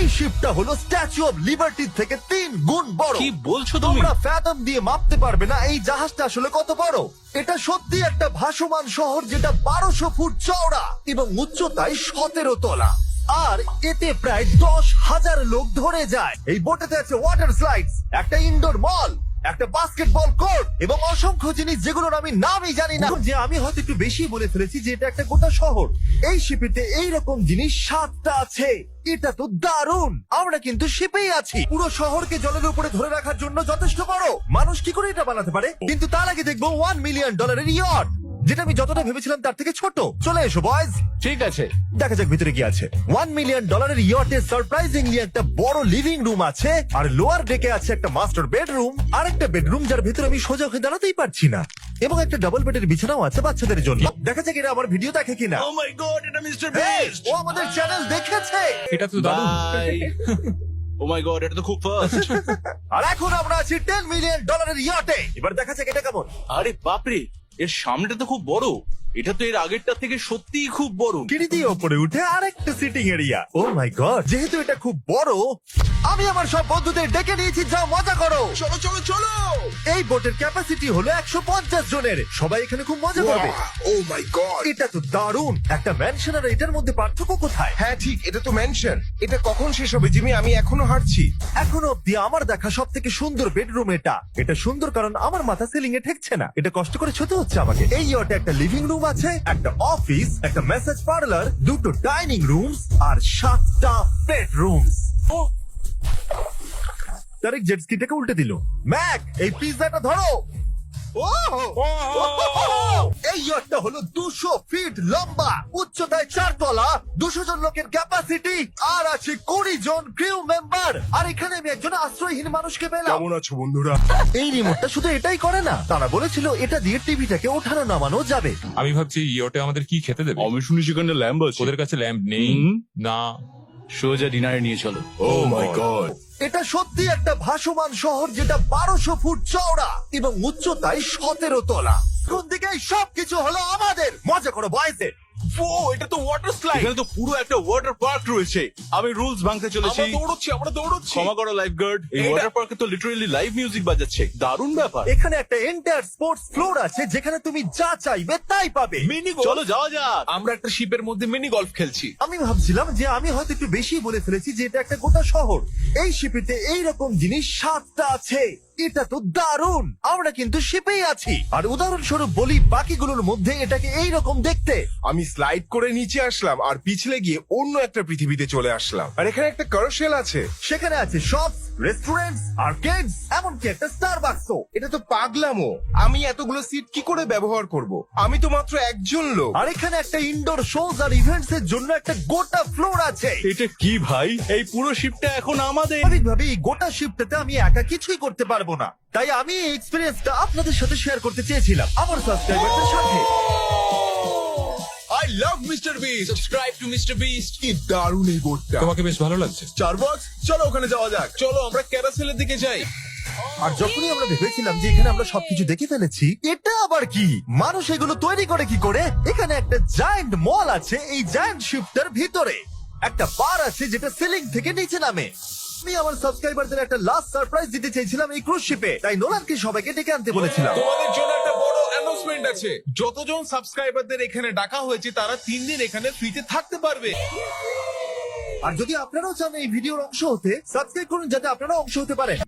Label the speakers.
Speaker 1: শিপটা হলো statue of liberty থেকে 3 গুণ বড়।
Speaker 2: কি বলছো তুমি?
Speaker 1: তোমরা ফ্যাথম দিয়ে মাপতে পারবে না এই জাহাজটা আসলে কত বড়। এটা সত্যি একটা ভাসমান শহর যেটা 1200 ফুট চওড়া এবং উচ্চতায় 17 তলা। আর এতে প্রায় 10,000 লোক ধরে যায়। এই বোটেতে আছে ওয়াটার স্লাইডস, একটা ইনডোর মল, একটা বাস্কেটবল কোর্ট এবং অসংখ্য জিনিস যেগুলোর আমি নামই জানি না। যে আমি হয়তো একটু বেশি বলে ফেলেছি যে এটা একটা গোটা শহর। এই শিপেতে এইরকম জিনিস 7টা আছে। এটা তো দারুণ। আমরা কিন্তু শিপেই আছি, পুরো শহরকে জলের উপরে ধরে রাখার জন্য যথেষ্ট বড়। মানুষ কি করে এটা বানাতে পারে? কিন্তু তার আগে দেখবো $1 মিলিয়ন ইয়ট, যেটা আমি যতটা ভেবেছিলাম তার থেকে ছোট। চলে এসো বয়েজ,
Speaker 2: ঠিক আছে,
Speaker 1: দেখা যাক ভিতরে কি আছে। $1 মিলিয়ন ইয়টে সারপ্রাইজিংলি একটা বড় লিভিং রুম আছে, আর লোয়ার ডেকে আছে একটা মাস্টার বেডরুম, আর একটা বেডরুম যার ভিতরে আমি সোজা হয়ে দাঁড়াতেই পারছি না, এবং একটা ডাবল বেডের বিছানাও আছে বাচ্চাদের জন্য। দেখা যাক এরা আমার ভিডিও দেখে কিনা।
Speaker 2: ও মাই গড, এটা মিস্টার
Speaker 1: Hey,
Speaker 2: বিস্ট।
Speaker 1: ও আমাদের চ্যানেল দেখেছে।
Speaker 3: এটা তো দারুণ।
Speaker 2: ও মাই গড, এটা তো খুব ফাস্ট।
Speaker 1: আর এখন আমরা আছি $10 মিলিয়ন ইয়টে। এবার দেখা যাক এটা কেমন।
Speaker 2: আরে বাপরে, এর সামনেটা তো খুব বড়। এটা তো এর আগেরটা থেকে সত্যিই খুব বড়।
Speaker 1: সিঁড়ি দিয়ে ওপরে উঠে আরেকটা sitting area. Oh my god, যেহেতু এটা খুব বড়, আমি আমার সব বন্ধুদের ডেকে নিয়েছি, যাও মজা করো।
Speaker 2: চলো চলো চলো।
Speaker 1: এই বোটের ক্যাপাসিটি হলো 150 জনের। সবাই এখানে খুব মজা করবে।
Speaker 4: ও মাই গড,
Speaker 1: এটা তো দারুণ। একটা ম্যানশন আর এটার মধ্যে পার্থক্য কোথায়?
Speaker 4: হ্যাঁ ঠিক, এটা তো মেনশন। এটা কখন শেষ হবে জিমি? আমি এখনো হাঁটছি।
Speaker 1: এখনো অব্দি আমার দেখা সব থেকে সুন্দর বেডরুম এটা। এটা সুন্দর কারণ আমার মাথা সিলিং এ ঠেকছে না। এটা কষ্ট করে ছুতে হচ্ছে আমাকে। এই ইয়টে একটা লিভিং রুম আছে, একটা অফিস, একটা মেসেজ পার্লার, দুটো ডাইনিং রুমস আর 7টা বেডরুমস। তারিক জেট স্কিটাকে উল্টে দিল। ম্যাক, এই পিৎজাটা ধরো। এই ইয়টটা হলো 200 ফিট লম্বা, উচ্চতায় 4 তলা, 200 জন লোকের ক্যাপাসিটি, আর আছে 20 জন ক্রিউ মেম্বার। আর এখানে আমি একজন আশ্রয়হীন মানুষকে পেলাম।
Speaker 4: কেমন আছো বন্ধুরা?
Speaker 1: এই রিমোটটা শুধু এটাই করে না, তারা বলেছিল এটা দিয়ে টিভিটাকে ওঠানো নামানো যাবে।
Speaker 3: আমি ভাবছি ইয়োটে আমাদের কি খেতে দেবে।
Speaker 2: আমি শুনি সেখানে ল্যাম্ব আছে।
Speaker 3: ওদের কাছে ল্যাম্প নেই। না,
Speaker 2: সোজা ডিনারে নিয়ে চলো।
Speaker 4: ও মাই গড,
Speaker 1: এটা সত্যি একটা ভাসমান শহর যেটা 1200 ফুট চওড়া এবং উচ্চতায় 17 তলা। কোন দিকে সবকিছু হলো আমাদের। মজা করো বয়েসে।
Speaker 2: ও, এটা তো ওয়াটার স্লাইড। এখানে তো পুরো একটা ওয়াটার পার্ক রয়েছে। আমি রুলস ভাঙতে চলেছি।
Speaker 4: আমরা দৌড়চ্ছি।
Speaker 2: ক্ষমা করো লাইফ গার্ড। এই
Speaker 4: এটা-
Speaker 2: ওয়াটার পার্কে তো লিটারালি লাইভ মিউজিক বাজাচ্ছে। দারুণ ব্যাপার।
Speaker 1: এখানে একটা এন্টায়ার স্পোর্টস ফ্লোর আছে যেখানে তুমি যা চাইবে তাই পাবে।
Speaker 4: মিনি
Speaker 2: চলো যাওয়া যাক।
Speaker 4: আমরা একটা শিপের মধ্যে মিনি গলফ খেলছি।
Speaker 1: আমি ভাবছিলাম যে আমি হয়তো একটু বেশি বলে ফেলেছি যে এটা একটা গোটা শহর। এই শিপেতে এইরকম জিনিস 7টা আছে। এটা তো দারুণ। আমরা কিন্তু শিপেই আছি। আর উদাহরণস্বরূপ বলি, বাকিগুলোর মধ্যে এটাকে এইরকম দেখতে।
Speaker 4: আমি স্লাইড করে নিচে আসলাম আর পিছলে গিয়ে অন্য একটা পৃথিবীতে চলে আসলাম। আর এখানে একটা কারশেল আছে।
Speaker 1: সেখানে আছে শপস, রেস্টুরেন্টস, আর্কেডস, এমনকি একটা স্টারবাকসও।
Speaker 4: এটা তো পাগলামো। আমি এতগুলো সিট কি করে ব্যবহার করব? আমি তো মাত্র একজন লোক।
Speaker 1: আর এখানে একটা ইনডোর শোজ আর ইভেন্টস এর জন্য একটা গোটা ফ্লোর আছে।
Speaker 2: এটা কি ভাই? এই পুরো শিপটা এখন আমাদের।
Speaker 1: স্বাভাবিকভাবে এই গোটা শিপটাতে আমি একা কিছুই করতে পারবো না, তাই আমি এই এক্সপেরিয়েন্সটা আপনাদের সাথে শেয়ার করতে চেয়েছিলাম আমার সাবস্ক্রাইবারদের সাথে।
Speaker 4: I love mister Beast.
Speaker 2: Subscribe to mister Beast.
Speaker 4: কি দারুণ এই বোটটা।
Speaker 3: তোমাকে বেশ ভালো লাগছে।
Speaker 4: চারবক্স, চলো ওখানে যাওয়া যাক। চলো আমরা ক্যারাসেলের দিকে যাই।
Speaker 1: আর যখনই আমরা ভেবেছিলাম যে এখানে আমরা সবকিছু দেখে ফেলেছি, এটা আবার কি? মানুষ এগুলো তৈরি করে কি করে? এখানে একটা জায়ান্ট মল আছে এই জায়ান্ট শিপটার ভিতরে। একটা বার আছে যেটা সিলিং থেকে নিচে নামে। আমি আমার সাবস্ক্রাইবারদের একটা লাস্ট সারপ্রাইজ দিতে চাইছিলাম এই ক্রুজ শিপে, তাই নোলানকে সবাইকে ডেকে আনতে বলেছিলাম।
Speaker 5: তোমাদের জন্য একটা বড় অ্যানাউন্সমেন্ট আছে। যতজন সাবস্ক্রাইবারদের এখানে ডাকা হয়েছে তারা 3 দিন এখানে ফ্রিতে থাকতে পারবে।
Speaker 1: আর যদি আপনারাও চান এই ভিডিওর অংশ হতে, সাবস্ক্রাইব করুন যাতে আপনারাও অংশ হতে পারেন।